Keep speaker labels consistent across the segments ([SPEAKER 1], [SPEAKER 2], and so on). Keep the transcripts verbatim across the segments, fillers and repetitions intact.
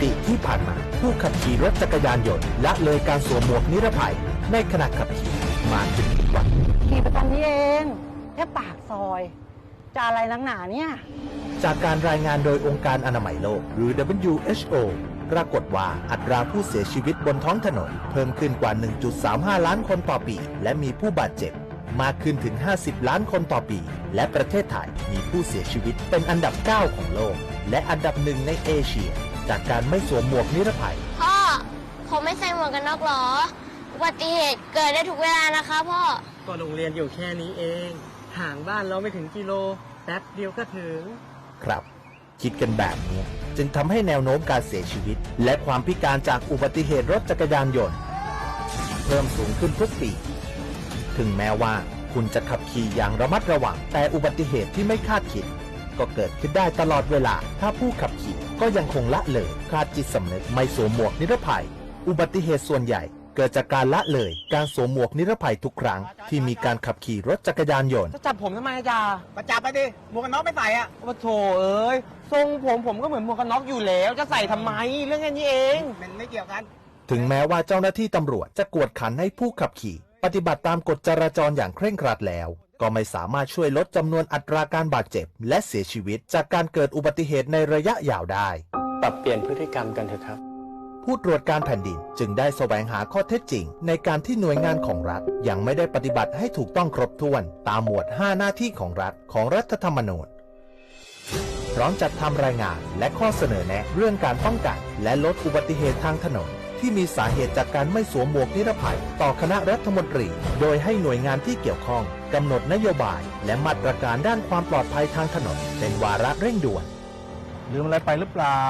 [SPEAKER 1] ติที่ผ่านมาผู้ขับขี่รถจักรยานยนต์ละเลยการสวมหมวกนิรภัยในขณะขับขี่มาถึงทุกวัน
[SPEAKER 2] ขี่ไปตอนนี้เองแค่ปากซอยจะอะไรนักหนาเนี่ย
[SPEAKER 1] จากการรายงานโดยองค์การอนามัยโลกหรือ ดับเบิลยู เอช โอ ปรากฏว่าอัตราผู้เสียชีวิตบนท้องถนนเพิ่มขึ้นกว่า หนึ่งจุดสามห้า ล้านคนต่อปีและมีผู้บาดเจ็บมากขึ้นถึงห้าสิบล้านคนต่อปีและประเทศไทยมีผู้เสียชีวิตเป็นอันดับเก้าของโลกและอันดับหนึ่งในเอเชียจากการไม่สวมหมวกนิรภัย
[SPEAKER 3] พ่อผมไม่ใส่หมวกกันน็อกหรออุบัติเหตุเกิดได้ทุกเวลานะคะพ่อ
[SPEAKER 4] ก็โรงเรียนอยู่แค่นี้เองห่างบ้านเราไม่ถึงกิโลแป๊บเดียวก็ถึง
[SPEAKER 1] ครับคิดกันแบบนี้จึงทำให้แนวโน้มการเสียชีวิตและความพิการจากอุบัติเหตุรถจักรยานยนต์เพิ่มสูงขึ้นทุกปีถึงแม้ว่าคุณจะขับขี่อย่างระมัดระวังแต่อุบัติเหตุที่ไม่คาดคิดก็เกิดขึ้นได้ตลอดเวลาถ้าผู้ขับขี่ก็ยังคงละเลยขาดจิตสำนึกไม่สวมหมวกนิรภัยอุบัติเหตุส่วนใหญ่เกิดจากการละเลยการสวมหมวกนิรภัยทุกครั้งที่มีการขับขี่รถจักรยานยนต์
[SPEAKER 4] จะจับผมทำไมจ๊ะ
[SPEAKER 5] มาจับไปดิหมวกกันน็อกไม่ใส่อ่ะ
[SPEAKER 4] โอ้โถเอ้ยทรงผมผมก็เหมือนหมวกกันน็อกอยู่แล้วจะใส่ทำไมเรื่องแค่นี้เอง
[SPEAKER 5] มันไม่เกี่ยวกัน
[SPEAKER 1] ถึงแม้ว่าเจ้าหน้าที่ตำรวจจะกวดขันให้ผู้ขับขี่ปฏิบัติตามกฎจราจรอย่างเคร่งครัดแล้วก็ไม่สามารถช่วยลดจำนวนอัตราการบาดเจ็บและเสียชีวิตจากการเกิดอุบัติเหตุในระยะยาวได้
[SPEAKER 4] ปรับเปลี่ยนพฤติกรรมกันเถอะครับ
[SPEAKER 1] ผู้ตรวจการแผ่นดินจึงได้แสวงหาข้อเท็จจริงในการที่หน่วยงานของรัฐยังไม่ได้ปฏิบัติให้ถูกต้องครบถ้วนตามหมวดห้าหน้าที่ของรัฐของรัฐธรรมนูญพร้อมจัดทำรายงานและข้อเสนอแนะเรื่องการป้องกันและลดอุบัติเหตุทางถนนที่มีสาเหตุจากการไม่สวมหมวกนิรภัยต่อคณะรัฐมนตรีโดยให้หน่วยงานที่เกี่ยวข้องกำหนดนโยบายและมาตรการด้านความปลอดภัยทางถนนเป็นวาระเร่งด่วน
[SPEAKER 6] ลืมอะไรไปหรือเปล่า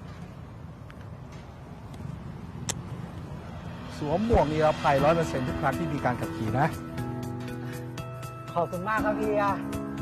[SPEAKER 6] สวมหมวกนิรภัย ร้อยเปอร์เซ็นต์ ทุกครั้งที่มีการขับขี่นะ
[SPEAKER 2] ขอบคุณมากครับพี่อะ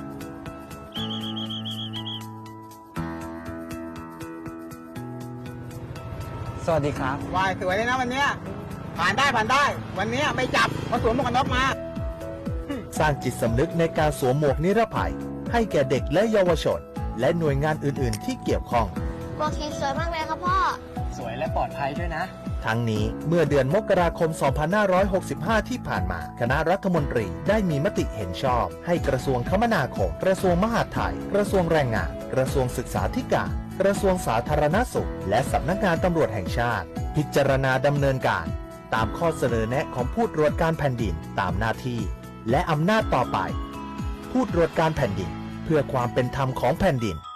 [SPEAKER 4] สวัสดีครับ
[SPEAKER 5] วายสวยเลยนะวันนี้ผ่านได้ผ่านได้วันนี้ไม่จับเพราะสวมหมวกกันน็อกมา
[SPEAKER 1] สร้างจิตสำนึกในการสวมหมวกนิรภัยให้แก่เด็กและเยาวชนและหน่วยงานอื่นๆที่เกี่ยวข้อง
[SPEAKER 3] หมวกสีสวยมากเลยครับพ่อ
[SPEAKER 4] สวยและปลอดภัยด้วยนะ
[SPEAKER 1] ทั้งนี้เมื่อเดือนมกราคม สองพันห้าร้อยหกสิบห้า ที่ผ่านมาคณะรัฐมนตรีได้มีมติเห็นชอบให้กระทรวงคมนาคมกระทรวงมหาดไทยกระทรวงแรงงานกระทรวงศึกษาธิการกระทรวงสาธารณสุขและสำนักงานตำรวจแห่งชาติพิจารณาดำเนินการตามข้อเสนอแนะของผู้ตรวจการแผ่นดินตามหน้าที่และอำนาจต่อไปผู้ตรวจการแผ่นดินเพื่อความเป็นธรรมของแผ่นดิน